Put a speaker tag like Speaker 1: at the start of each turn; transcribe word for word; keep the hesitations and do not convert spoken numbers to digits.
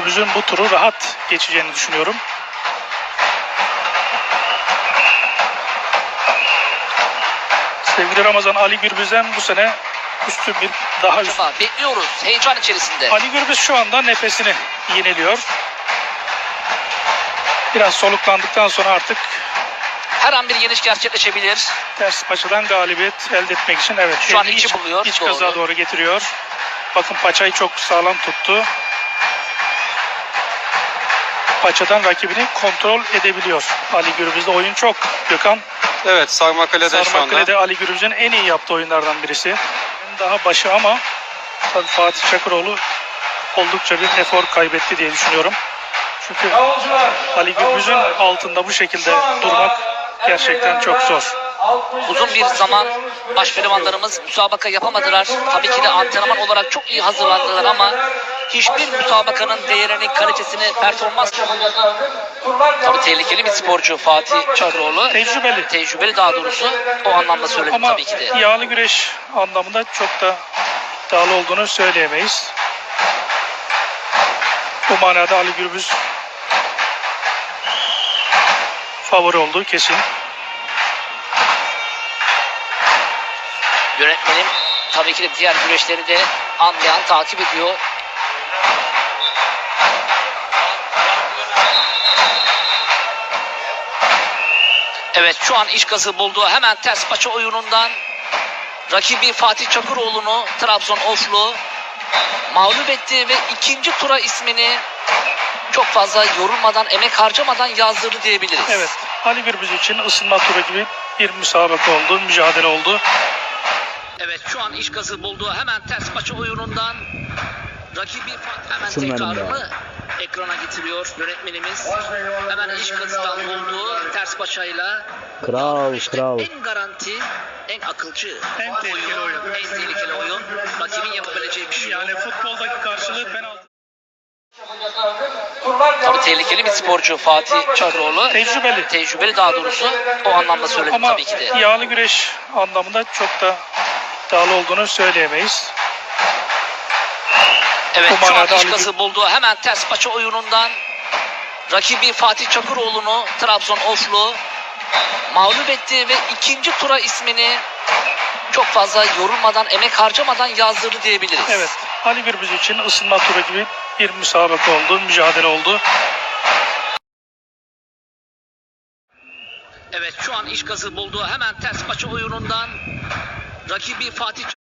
Speaker 1: Gürbüz'ün bu turu rahat geçeceğini düşünüyorum. Sevgili Ramazan, Ali Gürbüz'den bu sene üstün bir daha üstün.
Speaker 2: Bekliyoruz heyecan içerisinde.
Speaker 1: Ali Gürbüz şu anda nefesini yeniliyor. Biraz soluklandıktan sonra artık
Speaker 2: Her an bir yeniş gerçekleşebilir.
Speaker 1: ters paçadan galibiyet elde etmek için evet.
Speaker 2: Şu an
Speaker 1: elini
Speaker 2: içi
Speaker 1: iç,
Speaker 2: buluyor,
Speaker 1: iç
Speaker 2: doğru.
Speaker 1: kazağa doğru getiriyor. Bakın paçayı çok sağlam tuttu. Paçadan rakibini kontrol edebiliyor. Ali Gürbüz'de oyun çok. Gökhan.
Speaker 3: Evet, Sarmakale'de şu anda.
Speaker 1: Sarmakkale'de Ali Gürbüz'ün en iyi yaptığı oyunlardan birisi. Daha başı ama tabii Fatih Çakıroğlu oldukça bir efor kaybetti diye düşünüyorum. Çünkü Ali Gürbüz'ün altında bu şekilde durmak gerçekten çok zor.
Speaker 2: Uzun bir zaman başpehlivanlarımız müsabaka yapamadılar. Tabii ki de antrenman olarak çok iyi hazırlandılar ama hiçbir müsabakanın değerini, kalitesini, performans... Tabii tehlikeli bir sporcu Fatih Çakıroğlu.
Speaker 1: Tecrübeli.
Speaker 2: Tecrübeli daha doğrusu. O anlamda söyledim
Speaker 1: Ama
Speaker 2: tabii ki de.
Speaker 1: yağlı güreş anlamında çok da iddialı olduğunu söyleyemeyiz. Bu manada Ali Gürbüz favori olduğu kesin.
Speaker 2: Yönetmenim tabii ki de diğer güreşleri de anlayan, takip ediyor. Evet, şu an iş gazı buldu. Hemen ters paça oyunundan rakibi Fatih Çakıroğlu'nu, Trabzon Oflu mağlup etti ve ikinci tura ismini çok fazla yorulmadan, emek harcamadan yazdırdı diyebiliriz.
Speaker 1: Evet, Ali Gürbüz için ısınma turu gibi bir müsabaka oldu, mücadele oldu.
Speaker 2: Evet, şu an iş gazı buldu. Hemen ters paça oyunundan rakibi Fatih hemen tekrarını ekrana getiriyor yönetmenimiz. Hemen iş gazından buldu ters paçayla.
Speaker 4: Kral,
Speaker 2: İşte
Speaker 4: kral.
Speaker 2: en garanti, en akılcı,
Speaker 1: En tehlikeli oyun.
Speaker 2: en tehlikeli oyun. Rakibin yapabileceği bir şey yok.
Speaker 1: Yani futboldaki karşılığı penaltı.
Speaker 2: Tabii tehlikeli bir sporcu Fatih Çakıroğlu.
Speaker 1: Tecrübeli.
Speaker 2: Tecrübeli daha doğrusu. O anlamda söyledim
Speaker 1: Ama
Speaker 2: tabii ki de.
Speaker 1: yağlı güreş anlamında çok da iddialı olduğunu söyleyemeyiz.
Speaker 2: Evet,
Speaker 1: Bu
Speaker 2: şu an
Speaker 1: manada
Speaker 2: iş
Speaker 1: Ali
Speaker 2: gazı buldu. Hemen ters paça oyunundan rakibi Fatih Çakıroğlu'nu, Trabzon Oflu mağlup etti ve ikinci tura ismini çok fazla yorulmadan, emek harcamadan yazdırdı diyebiliriz.
Speaker 1: Evet, Ali Gürbüz için ısınma turu gibi bir müsabaka oldu, mücadele oldu.
Speaker 2: Evet, şu an iş gazı buldu. Hemen ters paça oyunundan rakibi Fatih